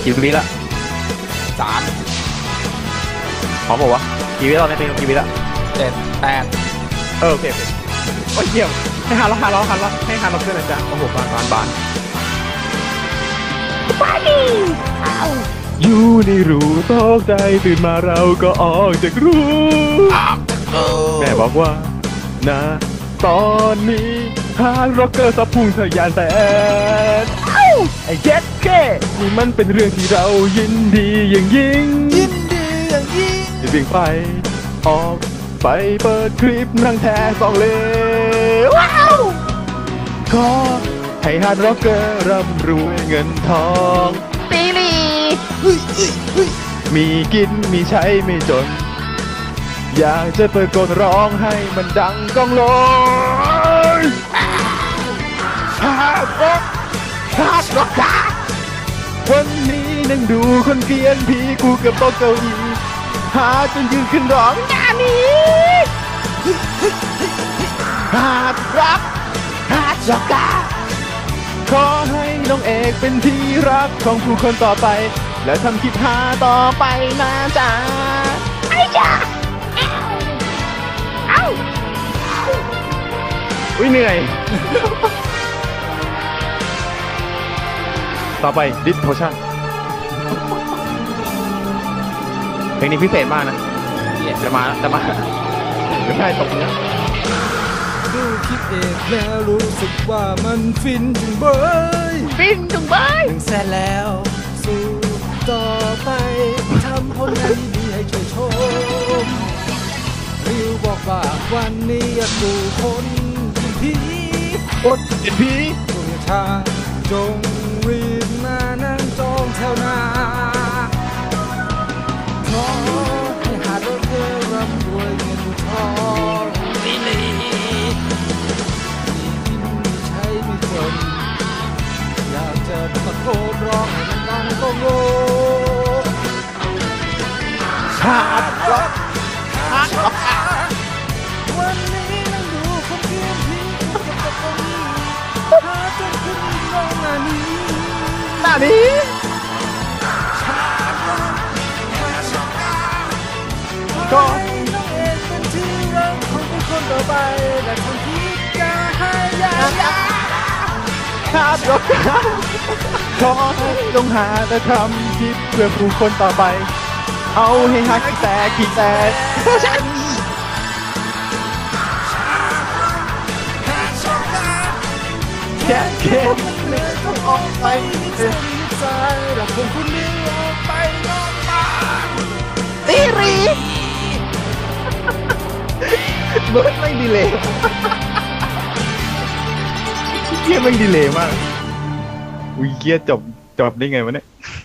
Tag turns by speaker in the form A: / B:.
A: กี่วิละ
B: 3
A: พร้อมบอกวะกี่วิแล้วในเพลงกี่วิละ
B: 7 8
A: โอเคโอ้ยเยี่ยมให้ฮาร์ล็อกให้ฮาร์ล็อกเพื่อนนะจ๊ะโอ้โหบานไปดิอยู่ในรูตกใจตื่นมาเราก็ออกจากรูแม่บอกว่านะตอนนี้ฮาร์ร็อกเกอร์สับพุ่งทะยานแสนไอ้เจ็ดเคนี่มันเป็นเรื่องที่เรายินดีอย่างยิ่งจะวิ่งไปออกไปเปิดคลิปนั่งแท้สองเลว้าวขอให้ฮาร์ร็อกเกอร์ร่ำรวยเงินทองปีรีมีกินมีใช้ไม่จนอยากจะเปิดกลร้องให้มันดังก้องโลยฮาร์ร็อกวันนี้นั่งดูคนเกลียนผีกูกับโต๊ะเก้าอี้หาจนยืนขึ้นร้องงานนี้ฮาร์ร็อกขอให้น้องเอกเป็นที่รักของผู้คนต่อไปและทำคลิปหาต่อไปนะจ๊ะไอ้จ๊ะอุ้ยเหนื่อยต่อไปดิสโพชั่นเพลงนี้พิเศษมากนะจะมาไม่ใช่ตกเนื้อ
B: ดูคลิปเอกแล้วรู้สึกว่ามันฟินจุงเบย1 แสนแล้วสู้ต่อไปทำผลงานดีๆให้ช่วยชมริวบอกว่าวันนี้อยากดูคนกินผี
A: อดกินผี
B: จงชาจงรีบมานั่งจองแถวหน้าขอให้หาดเธอร่ำรวยเงินทองมีกินมีใช้มีจนอยากจะตะโกนร้องให้มันดังก้องโลก
A: ฮาร์ร็อก
B: วันนี้นั่งดูคนเพียงผีกูกับตะโกนหาจนขึ้นร้องหน้านี้ก็ให้น้องเอกเป็นที่รักของทุกคนต่อไปและคนที่จะให้ยา
A: ฮาร์ร็อกขอให้ลงหาแต่ทำคลิปเพื่อผู้คนต่อไปเอาให้ฮักแต่ฉันแค่เก็บเลือดต้องออกไป
B: ใจรักคนคนนี้ออกไปนอกบ้าน
A: ตีรีเบิร์ดไม่ดีเลยเกียร์ไม่ดีเลยมากอุ้ยเกียร์จบได้ไงวะเนี่ย